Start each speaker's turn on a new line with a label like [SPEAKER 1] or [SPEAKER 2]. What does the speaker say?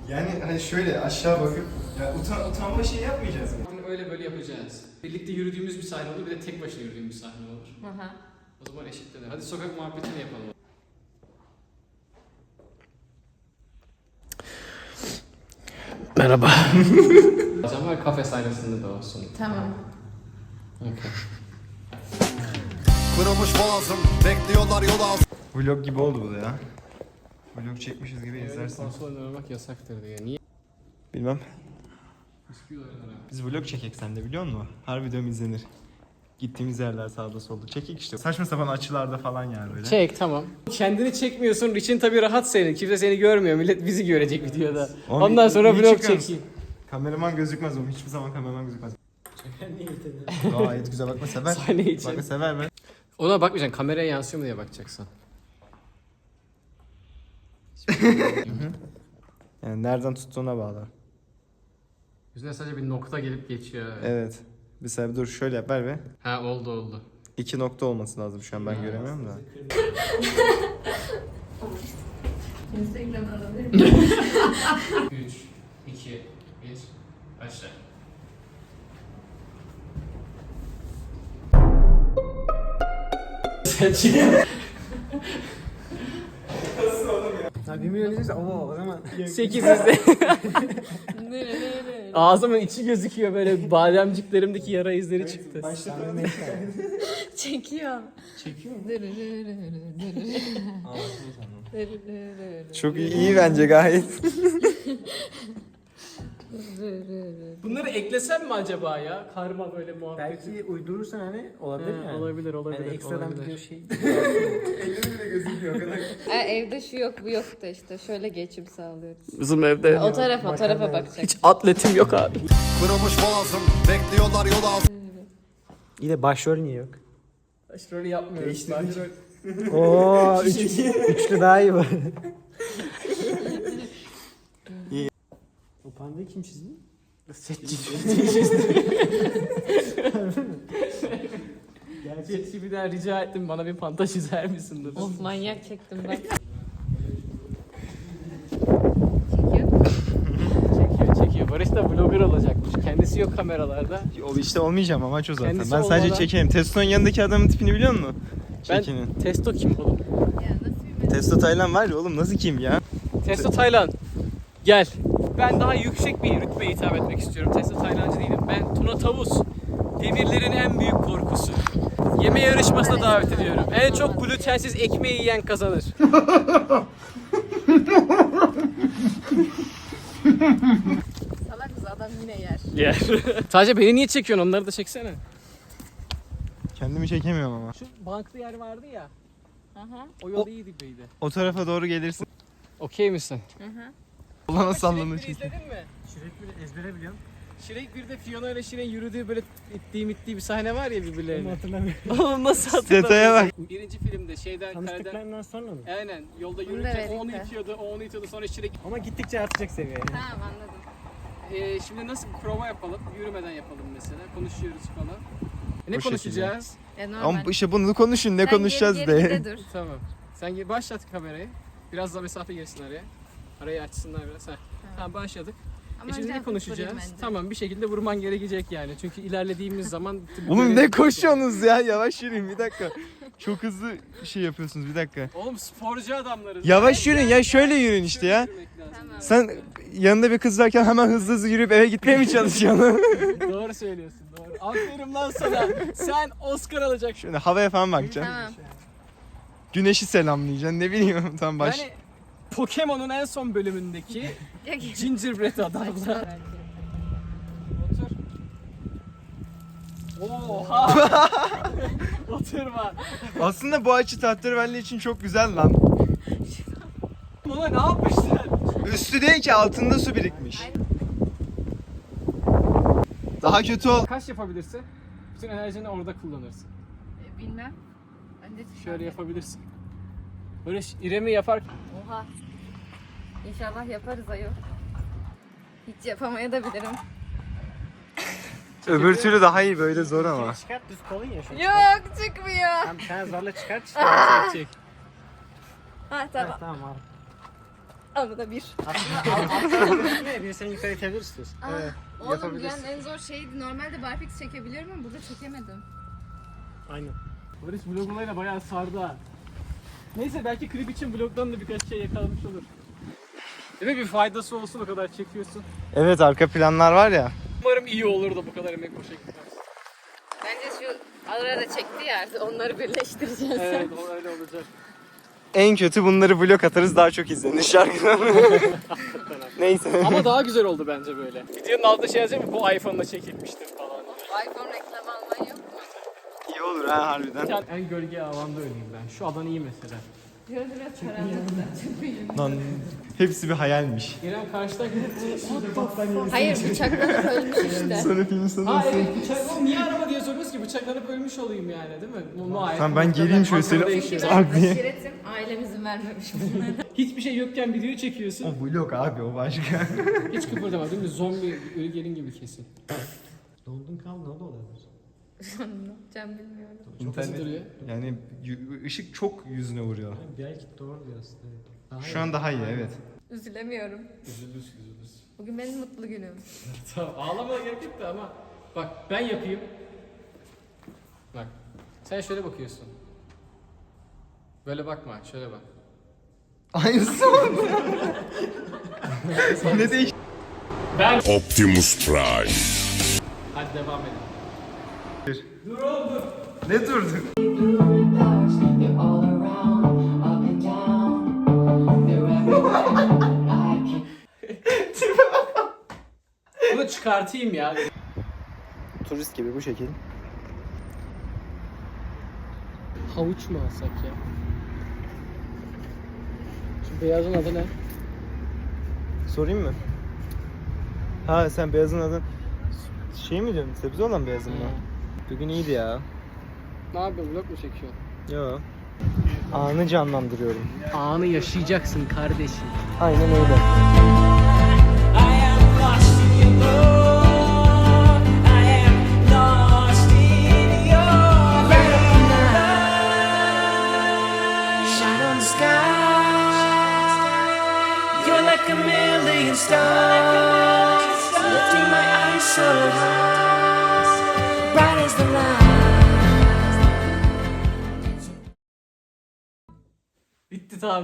[SPEAKER 1] Yani hani şöyle aşağı bakıp ya utanma şey yapmayacağız mı?
[SPEAKER 2] Öyle böyle yapacağız. Birlikte yürüdüğümüz bir sahne olur, bir de tek başına yürüdüğümüz bir sahne olur.
[SPEAKER 3] Aha.
[SPEAKER 2] O zaman eşitlenir. Hadi sokak muhabbetini yapalım. Merhaba. Ama kafe sahnesinde de olsun.
[SPEAKER 3] Tamam.
[SPEAKER 2] Okay.
[SPEAKER 4] Kırılmış boğazım, bekliyorlar yol altı.
[SPEAKER 1] Vlog gibi oldu bu da ya. Vlog çekmişiz gibi
[SPEAKER 2] Öyle
[SPEAKER 1] izlersin.
[SPEAKER 2] konsol oynamak yasaktır diye. Niye?
[SPEAKER 1] Bilmem.
[SPEAKER 2] Bisküvi oynar abi.
[SPEAKER 1] Biz vlog çekek sen de biliyor musun? Her videom izlenir. Gittiğimiz yerler sağda solda. Çekek işte. Saçma sapan açılarda falan yani böyle.
[SPEAKER 2] Çek tamam. Kendini çekmiyorsun. için tabii rahat senin. Kimse seni görmüyor. Millet bizi görecek videoda.
[SPEAKER 1] Oğlum,
[SPEAKER 2] Ondan sonra
[SPEAKER 1] iyi
[SPEAKER 2] vlog
[SPEAKER 1] çıkıyorsun.
[SPEAKER 2] çekeyim.
[SPEAKER 1] Kameraman gözükmez oğlum. Hiçbir zaman kameraman gözükmez. Gayet güzel bakma sever.
[SPEAKER 2] Sahne için.
[SPEAKER 1] Bakma sever ben.
[SPEAKER 2] Ona bakmayacaksın. Kameraya yansıyor mu diye bakacaksın.
[SPEAKER 1] Yani nereden tuttuğuna bağlı.
[SPEAKER 2] Yüzüne sadece bir nokta gelip geçiyor.
[SPEAKER 1] Evet. Bir sebebi dur şöyle yap ver be.
[SPEAKER 2] Ha oldu.
[SPEAKER 1] 2 nokta olması lazım şu an ben göremiyorum da.
[SPEAKER 3] Instagram'ı alabilir miyim?
[SPEAKER 2] 3, 2, 1, başla.
[SPEAKER 5] Ya 1 milyon izleyse ama o zaman
[SPEAKER 2] 8 izle. Ağzımın içi gözüküyor böyle bademciklerimdeki yara izleri çıktı.
[SPEAKER 3] Çekiyor.
[SPEAKER 2] Çekiyor mu?
[SPEAKER 1] Çok iyi bence gayet.
[SPEAKER 2] Bunları eklesem mi acaba ya? Karma böyle muhabbet.
[SPEAKER 5] belki uydurursan hani olabilir yani.
[SPEAKER 2] Olabilir.
[SPEAKER 5] Yani ekstradan
[SPEAKER 2] olabilir.
[SPEAKER 5] bir şey.
[SPEAKER 3] Evde şu yok bu yok da işte şöyle geçim sağlıyoruz.
[SPEAKER 2] Bizim evde
[SPEAKER 3] O tarafa bakacak.
[SPEAKER 2] hiç atletim yok abi.
[SPEAKER 4] Kırılmış boğazım, bekliyorlar yol altı.
[SPEAKER 5] İyi de başrol niye yok?
[SPEAKER 2] Başrolü yapmıyoruz. Başrol.
[SPEAKER 5] Oo, üçlü daha iyi var. O pandayı kim çizdi?
[SPEAKER 2] Gerçekçi bir daha rica ettim bana bir panta çizer misin dedi.
[SPEAKER 3] Of manyak çektim ben.
[SPEAKER 2] Çekiyor. Barış da vlogger olacakmış. Kendisi yok kameralarda.
[SPEAKER 1] İşte olmayacağım amaç o zaten.
[SPEAKER 2] Kendisi
[SPEAKER 1] ben sadece
[SPEAKER 2] olmadan-
[SPEAKER 1] çekeyim. Testo'nun yanındaki adamın tipini biliyor musun?
[SPEAKER 2] Ben
[SPEAKER 1] Çekinin.
[SPEAKER 2] Testo kim oğlum?
[SPEAKER 1] Testo Taylan var ya oğlum nasıl kim ya?
[SPEAKER 2] Testo Taylan. Gel. Ben daha yüksek bir rütbeye hitap etmek istiyorum. Testo Taylancı değilim. Ben Tuna Tavus. Demirlerin en büyük korkusu. Yeme yarışmasına davet ediyorum. En çok glutensiz ekmeği yiyen kazanır.
[SPEAKER 3] Salak kız adam yine yer.
[SPEAKER 2] Yer. Sadece beni niye çekiyorsun? Onları da çeksene.
[SPEAKER 1] Kendimi çekemiyorum ama.
[SPEAKER 2] Şu banklı yer vardı ya.
[SPEAKER 3] Aha.
[SPEAKER 2] O yol iyi gibiydi.
[SPEAKER 1] O tarafa doğru gelirsin.
[SPEAKER 2] Okey misin?
[SPEAKER 1] Olana sallanır
[SPEAKER 2] Şirek 1'i
[SPEAKER 1] çünkü.
[SPEAKER 2] izledin mi?
[SPEAKER 5] Şirek ezbere biliyorum.
[SPEAKER 2] Şirek 1'de Fiona ile Şirin yürüdüğü böyle ittiği bir sahne var ya
[SPEAKER 5] Ama
[SPEAKER 2] birbirlerine.
[SPEAKER 5] hatırlamıyorum.
[SPEAKER 2] Oğlum nasıl
[SPEAKER 1] Detaya bak.
[SPEAKER 2] Birinci filmde şeyden kareden...
[SPEAKER 5] Tanıştıklarından sonra mı?
[SPEAKER 2] Aynen yolda
[SPEAKER 3] Bunu da
[SPEAKER 2] yürürken
[SPEAKER 3] verdik
[SPEAKER 2] o onu
[SPEAKER 3] de.
[SPEAKER 2] itiyordu, o onu itiyordu sonra Şirek...
[SPEAKER 5] Ama gittikçe artacak seviye.
[SPEAKER 3] Tamam anladım.
[SPEAKER 2] Şimdi nasıl bir prova yapalım? Yürümeden yapalım mesela. Konuşuyoruz falan. Ne
[SPEAKER 1] Bu
[SPEAKER 2] konuşacağız?
[SPEAKER 3] Normal.
[SPEAKER 1] Ama işte bunu konuşun ne
[SPEAKER 3] Sen
[SPEAKER 1] konuşacağız
[SPEAKER 3] geri
[SPEAKER 1] de.
[SPEAKER 3] gide dur.
[SPEAKER 2] Tamam. Sen başlat kamerayı. Biraz daha mesafe girsin araya. Arayı açsınlar biraz. Tamam başladık.
[SPEAKER 3] Ama
[SPEAKER 2] Şimdi
[SPEAKER 3] önce
[SPEAKER 2] ne
[SPEAKER 3] hafif
[SPEAKER 2] konuşacağız?
[SPEAKER 3] vurayım bence.
[SPEAKER 2] Tamam bir şekilde vurman gerekecek yani. Çünkü ilerlediğimiz zaman...
[SPEAKER 1] Oğlum ne koşuyorsunuz ya? Yavaş yürüyün bir dakika. Çok hızlı şey yapıyorsunuz bir dakika.
[SPEAKER 2] Oğlum sporcu adamlarız.
[SPEAKER 1] Yavaş yürüyün ya şöyle yürüyün işte ya.
[SPEAKER 3] Tamam.
[SPEAKER 1] Sen yanında bir kız varken hemen hızlı hızlı yürüyüp eve gitmeye mi çalışıyorsun?
[SPEAKER 2] Doğru söylüyorsun doğru. Aferin lan sana. Sen Oscar alacaksın.
[SPEAKER 1] Şöyle havaya falan bakacaksın.
[SPEAKER 3] Tamam.
[SPEAKER 1] Güneşi selamlayacaksın ne bileyim tam baş.
[SPEAKER 2] Yani Pokemon'un en son bölümündeki Gingerbread adamlar. Otur. Oha. Oturma.
[SPEAKER 1] Aslında bu açı tahterevalli için çok güzel lan.
[SPEAKER 2] Buna ne yapmışlar?
[SPEAKER 1] Üstü değil ki altında su birikmiş. Daha kötü ol.
[SPEAKER 2] Kaç yapabilirsin? Bütün enerjini orada kullanırsın.
[SPEAKER 3] Bilmem. Ben de
[SPEAKER 2] Şöyle yapabilirsin. Böyle İrem'i yapar.
[SPEAKER 3] Oha. İnşallah yaparız ayol. Hiç yapamaya da bilirim.
[SPEAKER 1] Öbür türlü daha iyi böyle zor ama.
[SPEAKER 5] Çıkart düz kolun ya şu an.
[SPEAKER 3] Yok çıkmıyor.
[SPEAKER 5] Sen zorla çıkart işte.
[SPEAKER 2] Çek.
[SPEAKER 3] Ha
[SPEAKER 5] Tamam
[SPEAKER 3] tamam.
[SPEAKER 5] tamam abi.
[SPEAKER 3] Ama da bir.
[SPEAKER 5] Aslında bir seni yukarı itebilir istiyorsun.
[SPEAKER 3] Evet. Oğlum
[SPEAKER 5] yapabilirsin.
[SPEAKER 3] dünyanın en zor şeydi. Normalde barfix çekebiliyorum ama burada çekemedim.
[SPEAKER 5] Aynen.
[SPEAKER 2] Barış vlog olayına bayağı sardı ha. Neyse belki klip için vlogdan da birkaç şey yakalamış olur. Değil mi? Bir faydası olsun, o kadar çekiyorsun.
[SPEAKER 1] Evet, arka planlar var ya.
[SPEAKER 2] Umarım iyi olur da bu kadar emek boşa gitmez.
[SPEAKER 3] Bence şu arada çekti ya onları birleştireceğiz.
[SPEAKER 2] Evet, o öyle olacak.
[SPEAKER 1] En kötü bunları vlog atarız, daha çok izlenir şarkıdan. Neyse.
[SPEAKER 2] Ama daha güzel oldu bence böyle. Videonun altında şey yazacak mı? Bu iPhone'la çekilmiştir falan.
[SPEAKER 3] iPhone reklam alman yok mu?
[SPEAKER 1] İyi olur ha harbiden.
[SPEAKER 2] En gölge alanda öleyim ben. Şu alan iyi mesela.
[SPEAKER 3] Biraz biraz karanlıkta.
[SPEAKER 1] Lan hepsi bir hayalmiş.
[SPEAKER 2] İrem karşıdan gidip şimdi battaniye.
[SPEAKER 3] Hayır bıçaklanıp ölmüş işte.
[SPEAKER 1] Sonra filmin sonunda.
[SPEAKER 2] Ha evet, bıçak niye araba diye soruyoruz ki, bıçaklanıp ölmüş olayım yani, değil mi?
[SPEAKER 1] Tamam, ben geleyim şöyle seni-
[SPEAKER 3] Çünkü ben
[SPEAKER 1] Tak diye.
[SPEAKER 3] aşiretim, ailem izin vermemiş bunlara.
[SPEAKER 2] Hiçbir şey yokken video çekiyorsun.
[SPEAKER 1] O vlog abi, o başka.
[SPEAKER 2] Hiç kıpırdama, değil mi? Zombi ölü gelin gibi kesin.
[SPEAKER 5] Dondun kal ne olabilir?
[SPEAKER 3] Ne yapacağım bilmiyorum.
[SPEAKER 2] Çok hızlı duruyor.
[SPEAKER 1] Yani ışık çok yüzüne vuruyor.
[SPEAKER 5] Belki doğru diyorsun. Evet. Daha
[SPEAKER 1] Şu an daha iyi, evet.
[SPEAKER 3] Üzülemiyorum.
[SPEAKER 2] Üzülürüz.
[SPEAKER 3] Bugün benim mutlu günüm.
[SPEAKER 2] Tamam, ağlamaya gerek yok da ama bak ben yapayım. Bak, sen şöyle bakıyorsun. Böyle bakma, şöyle bak.
[SPEAKER 1] Aynısı mı? Ne değiş?
[SPEAKER 2] Ben...
[SPEAKER 6] Optimus Prime.
[SPEAKER 2] Hadi devam edelim.
[SPEAKER 1] Ne durdun?
[SPEAKER 7] They're all around, up and down. They're everywhere. I can
[SPEAKER 2] Bunu çıkartayım ya.
[SPEAKER 1] Turist gibi bu şekil.
[SPEAKER 2] Havuç mu alsak ya? Şu beyazın adı ne?
[SPEAKER 1] Sorayım mı? Ha, sen beyazın adın şey mi diyorsun? Sebze olan beyazın mı? Bugün iyiydi ya.
[SPEAKER 2] Ne yapıyorsun? Vlog mu çekiyorsun?
[SPEAKER 1] Yo. Anı canlandırıyorum.
[SPEAKER 2] Anı yaşayacaksın kardeşim.
[SPEAKER 1] Aynen öyle.
[SPEAKER 8] Shine on the sky. You're like a million stars, lifting my eyes so high.